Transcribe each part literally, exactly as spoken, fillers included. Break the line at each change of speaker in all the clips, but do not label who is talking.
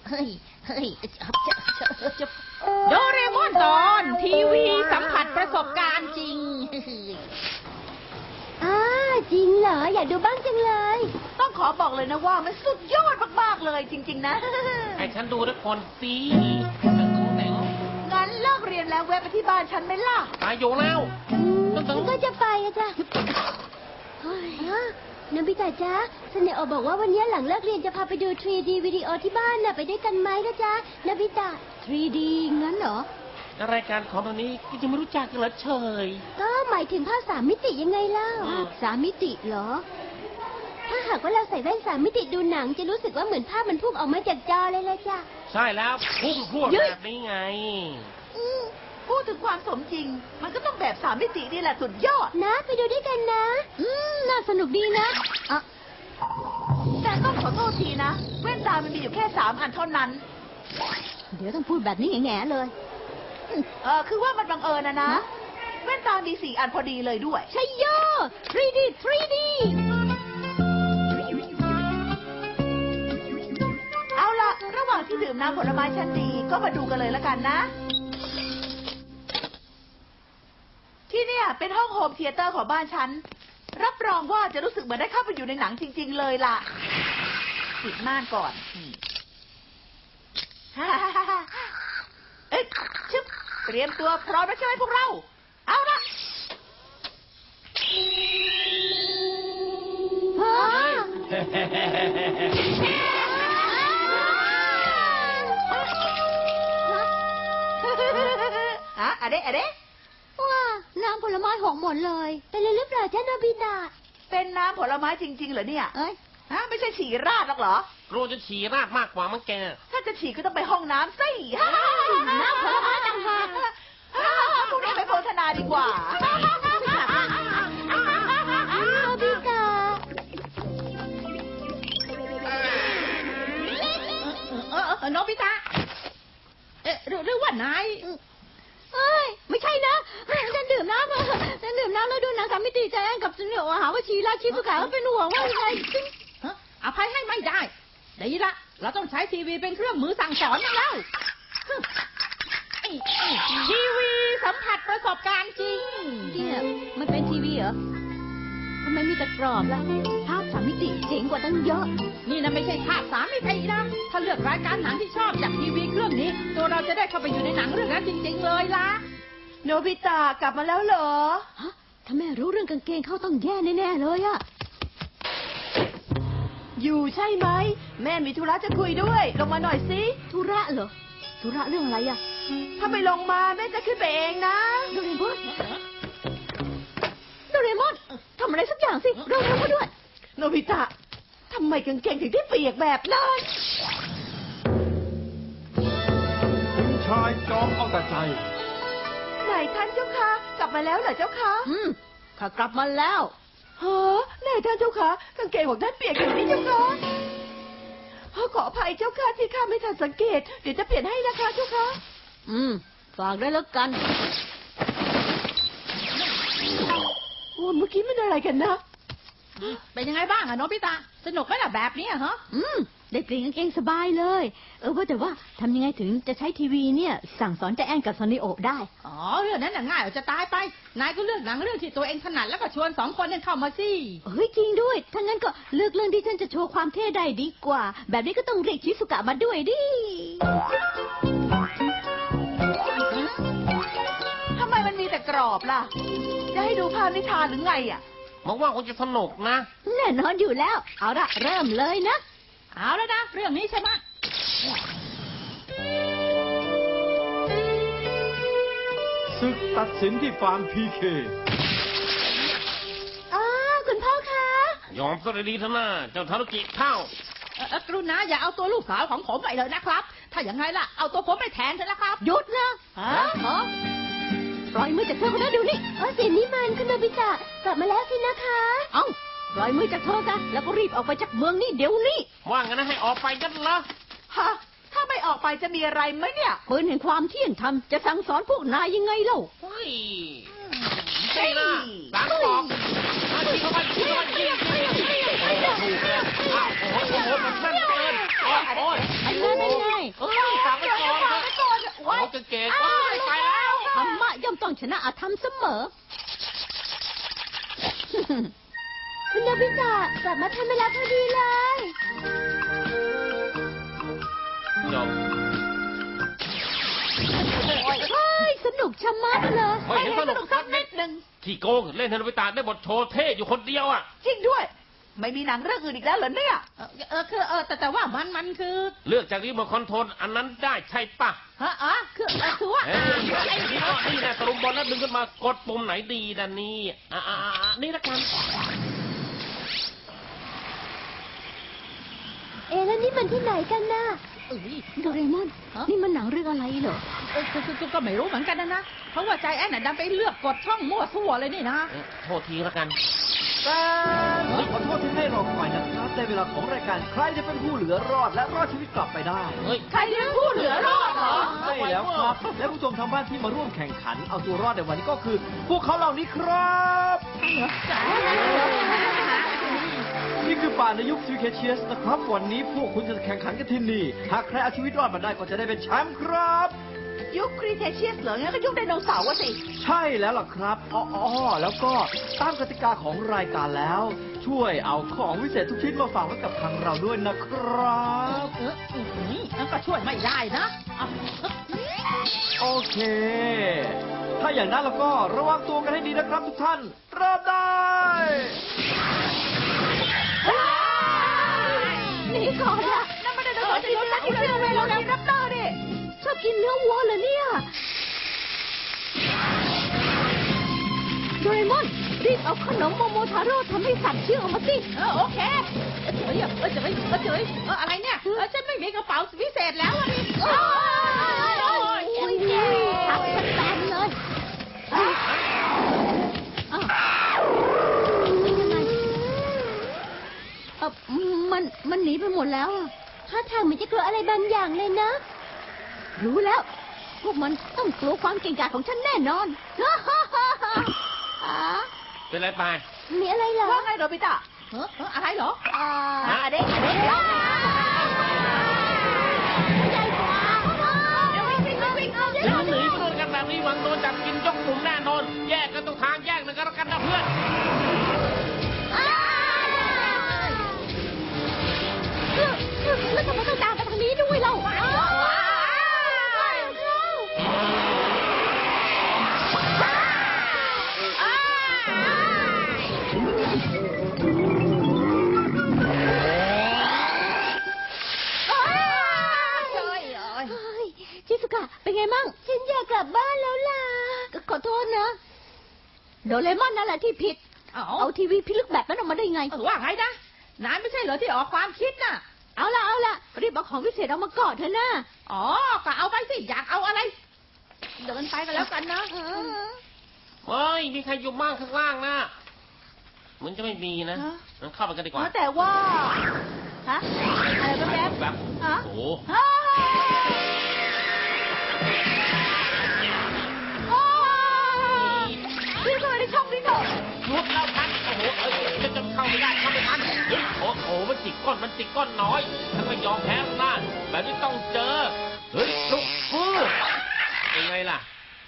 เฮ้ยเฮ้ย
โดเรมอนตอนทีวีสัมผัสประสบการณ์จริง
อ้าจริงเหรออยากดูบ้างจังเลย
ต้องขอบอกเลยนะว่ามันสุดยอดมากๆเลยจริงๆนะ
ให้ฉันดูทุกคนสิ
งั้นเลิกเรียนแล้วแวะไปที่บ้านฉันไหมล่ะ
ตายอยู่แล้ว
ฉันก็จะไปอะจ้ะนบิตะจ๊ะสเนโอบอกว่าวันนี้หลังเลิกเรียนจะพาไปดู ทรี ดี วิดีโอที่บ้านน่ะไปด้วยกันไหมนะจ๊ะนบิตะ ทรี ดี งั้นเหรอ
รายการของตรงนี้ก็จะไม่รู้จักกันเหรอเฉย
ก็หมายถึงภาพสามมิติยังไงเล่าสามมิติเหรอถ้าหากว่าเราใส่แว่นสามมิติดูหนังจะรู้สึกว่าเหมือนภาพมันพุ่งออกมาจากจอเลยเลยจ้ะ
ใช่แล้วพุ่งพวดแบบนี้ไง
พูดถึงความสมจริงมันก็ต้องแบบสามมิตินี่แหละสุดยอด
นะไปดูด้วยกันนะอืมน่าสนุกดีนะ
อะแต่ต้องขอโทษทีนะแว่นตามันมีอยู่แค่สามอันเท่านั้น
เดี๋ยวต้องพูดแบบนี้แง่ๆเลย
เออคือว่ามันบังเอิญนะนะแว่นตามีสี่อันพอดีเลยด้วย
ใช่โย่ ทรี ดี ทรี ดี
เอาล่ะระหว่างที่ดื่มน้ำผลไม้ชั้นดีก็มาดูกันเลยละกันนะที่เนี่ยเป็นห้องโฮมเธียเตอร์ของบ้านฉันรับรองว่าจะรู้สึกเหมือนได้เข้าไปอยู่ในหนังจริงๆเลยล่ะปิดม่านก่อนเอ๊ะชึบเตรียมตัวพร้อมแล้วใช่ไหมพวกเราเอาละฮะอะไรอะไร
ว้าน้ำผลไม้หกหมดเลยเป็นอะไรหรือเปล่าจ๊ะโนบิตะ
เป็นน้ำผลไม้จริงๆเหรอเนี่ย
เอ้ย
ฮะไม่ใช่ฉี่ราดหรอกเหรอ
รู้จะฉี่ราดมากกว่ามั้งแก
ถ้าจะฉี่ก็ต้องไปห้องน้ำสิ
น้ำผลไม้ต่างหาก
พวกนี้ไปโฆษณาดีกว่า
โนบิตะ
เออโนบิตะเอ๊ะหรือว่านาย
เอ้ยไม่ใช่นะฉันดื่มน้ำฉันดื่มน้ำแล้วดูหนังสามมิติใจแอนกับสเนโอหาว่าชีราชิสุขาเป็นห่วงว่าอะไร
อภัยให้ไม่ได้ดีละเราต้องใช้ทีวีเป็นเครื่องมือสั่งสอนแล้วทีวีสัมผัสประสบการณ์จริง
เนี่ยมันเป็นทีวีเหรอทำไมมีแต่กรอบล่ะภาพสามมิติเจ๋งกว่าตั้งเยอะ
นี่นะไม่ใช่ภาพสามมิตินะถ้าเลือกรายการหนังที่ชอบจากทีวีเครื่องนี้ตัวเราจะได้เข้าไปอยู่ในหนังเรื่องนั้นจริงๆเลยล่ะ
โนบิตะกลับมาแล้วเหรอ
ฮะถ้าแม่รู้เรื่องกางเกงเข้าต้องแย่แน่ๆเลยอะ
อยู่ใช่ไหมแม่มีธุระจะคุยด้วยลงมาหน่อยสิ
ธุระเหรอธุระเรื่องอะไรอะ
ถ้าไม่ลงมาแม่จะขึ้นไปเองนะ
โดเรมอนโดเรมอนทำอะไรสักอย่างสิเราเร็วมาด้วย
โนบิตะทำไมกางเกงถึงได้เปียกแบบนั้น
คุณชายจอมเอาแต่ใจ
ไหนท่านเจ้าคะกลับมาแล้วเหรอเจ้าคะ
อืมข้ากลับมาแล้ว
เฮ้อไหนท่านเจ้าคะกางเกงของท่านเปียกอย่างนี้เจ้าคะขออภัยเจ้าค่ะที่ข้าไม่ทันสังเกตเดี๋ยวจะเปลี่ยนให้นะคะเจ้าคะ
อืมฝากได้แล้วกัน
โอ้เมื่อกี้มันอะไรกันนะ
เป็นยังไงบ้างอะโนบิตะสนุกไหมล่ะแบบนี้ฮะ
อืมได้เปลี่ยนกางเกงสบายเลยเออว่าแต่ว่าทำยังไงถึงจะใช้ทีวีเนี่ยสั่งสอนใจแอนกับซอนนิโอได้
อ๋อเรื่องนั้นน่ะง่ายจะตายไปนายก็เลือกหนังเรื่องที่ตัวเองถนัดแล้วก็ชวนสองคนนั้นเข้ามาสิ
เฮ้ยจริงด้วยถ้างั้นก็เลือกเรื่องที่ฉันจะโชว์ความเท่ได้ดีกว่าแบบนี้ก็ต้องเรียกชิสุกะมาด้วยดิ
ทำไมมันมีแต่กรอบล่ะจะให้ดูภาพนิทานหรือไงอ่ะ
มองว่าคงจะสนุกนะ
แน่นอนอยู่แล้วเอาละเริ่มเลยนะ
เอาแล้วนะเรื่องนี้ใช่ไหม
ศึกตัดสินที่ฟาร์มพีเค
อ๋อคุณพ่อคะ
ยอมซะดีๆเถอะนะเจ้าทารุกิเท่า
กรุณาอย่าเอาตัวลูกสาวของผมไปเลยนะครับถ้าอย่างไรล่ะเอาตัวผมไปแทนเถอะนะครับ
หยุดนะฮะปล่อยมือจากเธอคนนั้นเดี๋ยวนี้เออเสียงนี้มันคุณโนบิตะกลับมาแล้วสินะคะ
เอ้าปล่อยมือจากเธอซะแล้วก็รีบออกไปจากเมืองนี้เดี๋ยวนี้
ว่างั้นนะให้ออกไปกันเหรอ
ฮะถ้าไม่ออกไปจะมีอะไรไหมเนี่ย
ปืนแห่งความเที่ยงธรรมจะสั่งสอนพวกนายยังไงเล่า
เฮ้ยนี่นะหลังบอกมาที่เข้าไปที่เข้าไปที่โอ้โหถูกเลยโอ้โหโอ้โหมันสั้นเกินโอ้ย
อันนั้นไม่ไง
เกงโอ้ยไปแล้ว
ธรรมะย่อมต้องชนะอธรรมเสมอ
คุณโนบิตะกลับมาทันเวลาพอดีเลย
จบ
เฮ้ย สนุกชะมัดเลย
ไม่เห็นสนุกสักนิด
หนึ่ง
ที่โกงเล่นเทนโนบิตะได้บทโชว์เท่อยู่คนเดียวอ่ะ
จริงด้วย ไม่มีหนังเรื่องอื่นอีกแล้วเหรอเนี่ย
เออเออคือเออแต่แต่ว่ามันมันคือ
เลือกจากรีโมทคอนโทรลอันนั้นได้ใช่ปะ
ฮะอ๋อคือเออคือว่า
เอ้ยนี่ก็นี่นะตะลุมบอลแล้วดึงขึ้นมากดปุ่มไหนดีดันนี่อ่าอ่าอ่านี่ละกัน
เอ๊ะแล้วนี่มันที่ไหนกันน่ะ
เอ้ย
โดเรมอน นี่มันหนังเรื่องอะไรเหรอ
เออคือคือคือก็ไม่รู้เหมือนกันนะนะเพราะว่าใจแอนน่ะดันไปเลือกกดช่องมั่วซั่วเลยนี่นะ
เอ้ยโทษทีละกัน
แต่ขอโทษที่ให้รอคอยนะครับในเวลาของรายการใครจะเป็นผู้เหลือรอดและรอดชีวิตกลับไปได้
เฮ้ย
ใครที่เป็นผู้เหลือรอดเหรอ
ใช่แล้วครับ และผู้ชมทางบ้านที่มาร่วมแข่งขันเอาตัวรอดในวันนี้ก็คือ พวกเขาเหล่านี้ครับ นี่คือป่าในยุคซิวเคเชียสนะครับ วันนี้พวกคุณจะแข่งขันกันที่นี่ หากใครเอาชีวิตรอดมาได้ก็จะได้เป็นแชมป์ครับ
ยุคครีเทเชียสเหรองั้นก็ยุคไดโนเสาร์อะสิ
ใช่แล้วล่ะครับอ๋ออ๋อแล้วก็ตามกติกาของรายการแล้ว ช่วยเอาของวิเศษทุกชิ้นมาฝากไว้กับทางเราด้วยนะครับ
เอออืมนั่นก็ช่วยไม่ได้นะเอา
โอเค ถ้าอย่างนั้นแล้วก็ระวังตัวกันให้ดีนะครับทุกท่านเริ่มได้
หนีก่อนละ
นั่นมันไดโนเสาร์จริงๆนะที่เรื่องเวลาแล้วรับเตอร์ดิ
ชอบกินเนื้อวัวเหรอเนี่ย โดเรมอน รีบเอาขนมโมโมทาโร่ทำให้สัตว์เชื่องออกมาสิ
เออโอเคเออเฉยเออเฉยเออเฉยเอออะไรเนี่ยเออฉันไม่มีกระเป๋าพิเศษแล้วอ่ะนี่โอ้ยโอ้ย
โอ้ยเจ๊ทับมันแตนเลยอ้าวอ้าวเป็นยังไงเออมัน มันหนีไปหมดแล้วอะท่าทางเหมือนจะกลัวอะไรบางอย่างเลยนะ รู้แล้ว พวกมันต้องกลัวความเก่งกาจของฉันแน่นอน อ๋อ
เป็นไรไป
มีอะไรเหรอ
ว่าไงโดบิตะ
เออเอออะไรเหรอ
อ่า
อ่ะเด็กเด็ก
ใหญ่กว่า
เดี๋ยววิ่งวิ่งวิ่งเอา
หนีหนีไปโดนกันแบบนี้หวังโดนจับกินยกกลุ่มแน่นอน แยกกันตรงทางแยกหนึ่งกันแล้วกันนะเพื่อน
แล้วทำไมต้องตามกันทางนี้ด้วยเรา
เอ้ยเอ้ย
เฮ้ยชิสุกะ เป็นไงมั่ง ฉันอยากกลับบ้านแล้วล่ะ ขอโทษนะ โดเรมอนนั่นแหละที่ผิด
เอา
เอาทีวีพิลึกแบบนั้นออกมาได้ไง
เออว่าไงนะนายไม่ใช่เหรอที่ออกความคิดน่ะ
เอาละเอาละรีบเอาของวิเศษเอามาก่อนเถอะนะ
อ๋อก็เอาไปสิอยากเอาอะไร เดินไปกันแล้วกันนะ
เฮ้ย มีใครอยู่บ้างข้างล่างนะเหมือนจะไม่มีนะงั้นเข้าไปกันดีกว่า
แต่ว่า ฮะ อะไรแป๊บ
แบบ
ๆฮะ
โอ้โห
ฮ่าโอ้ยพี่เข้าไปในช่องนี้เถอะ
รุดแล้วพันโอ้โหเอ้ยจะจะเข้าไม่ได้เข้าไม่ทันเฮ้ยโอ้โหมันจิกก้อนมันจิกก้อนน้อยฉันไม่ยอมแพ้หน้าแบบนี้ต้องเจอเฮ้ยลุกฟื้นยังไงล่ะ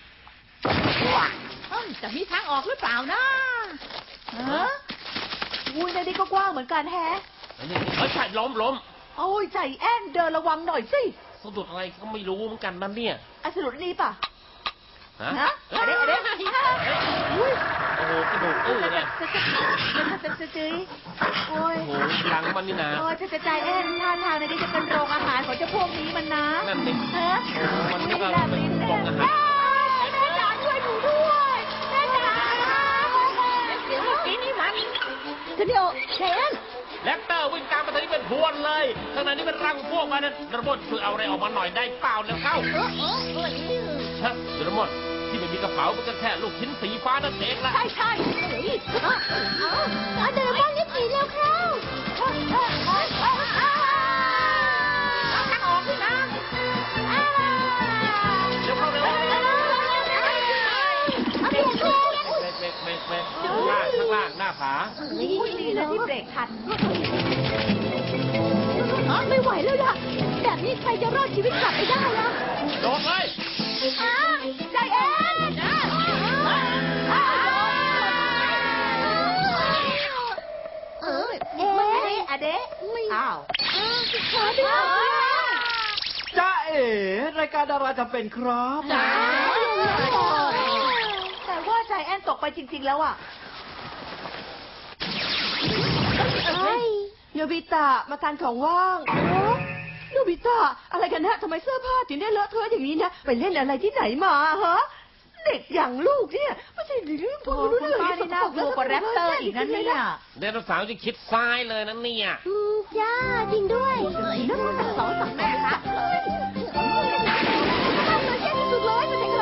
เอ้ยจะมีทางออกหรือเปล่านะ
ฮะอุ้ยในนี้ก็กว้างเหมือนกันแฮะ
อันนี้เฮ้ยใช่ล้มล้ม
โอ้ยใจแอนเดินระวังหน่อยสิ
สะดุดอะไรก็ไม่รู้เหมือนกันนั่นเนี่ย
อะสรุปนี่ป่ะ
ฮะ
ฮะอะไรอะไรอุ้ย
โอ้โหกระดูกอื้อเลย
จะจะจะจะจะจะโอ้ย
โอ้โหหลังมันนี่นะ
โอ้ยจะจะใจแอนท่าทางในนี้จะเป็นโรงอาหารของเจ้าพวกนี้มันนะ
นั่นสิ
ฮะ
มันก็
แลบลิ้น
เป็นโรงอาหาร
แม่จ๋าช่วยหนูด้วยแม่จ๋า
เดี๋ยวเมื่อกี้นี่มัน
สตูดิโอไชแอน
แรปเตอร์วิ่งตามมาทางนี้เป็นพรวนเลยขณะนี้เป็นรังพวกมันนั้นระบบช่วยเอาอะไรออกมาหน่อยได้เปล่าแล้วเข้า
เออเออเออ
ชะระบบที่ไม่มีกระเป๋ามันก็แค่ลูกชิ้นสีฟ้านั่นเองละ
ใช่ใช่
เฮ้ยเอาเอาเอาโดเรมอนรีบหนีแล้วเข้า
เอาทางออกด้วยนะ
เดี๋ยวเข้าเร็ว
เอาเปลี่ยนเพลง
เบรกเบรกเบรกเบรกข้างล่างข้างล่างหน้าผา
อุ้ยดีนะที่เบรกทัน
ไม่ไหวแล้วล่ะ แบบนี้ใครจะรอดชีวิตกลับไปได้ล่ะ
โดดเลย
เอ้าวใจเอ็นเออเอ๊ะ
อะเดะ
ไม่
อ้าว
ขอด้วย
จ้าเอ๋รายการดาราจำเป็นครับ
จ้า
แต่ว่าใจแอนตกไปจริง ๆ แล้วอ่ะ
เฮ้ย
โนบิตะมาทานของว่างโนบิตะอะไรกันนะทำไมเสื้อผ้าถึงได้เลอะเทอะอย่างนี้นะไปเล่นอะไรที่ไหนมาฮะเด็กอย่างลูกเนี่ยไม่ใช่เรื่องพวกรู้เรื่องป้านี่น่ากลัวกว่าแรปเตอร์อีกนะเนี่ย
ไดโนเสาร์จะคิดซ้ายเลยนะเนี่ย
อืมจ้าจริงด้วย
นั่นมันสองสามแม่ครับ
ทำเลยแย่ที่สุดเลยมันเด็ก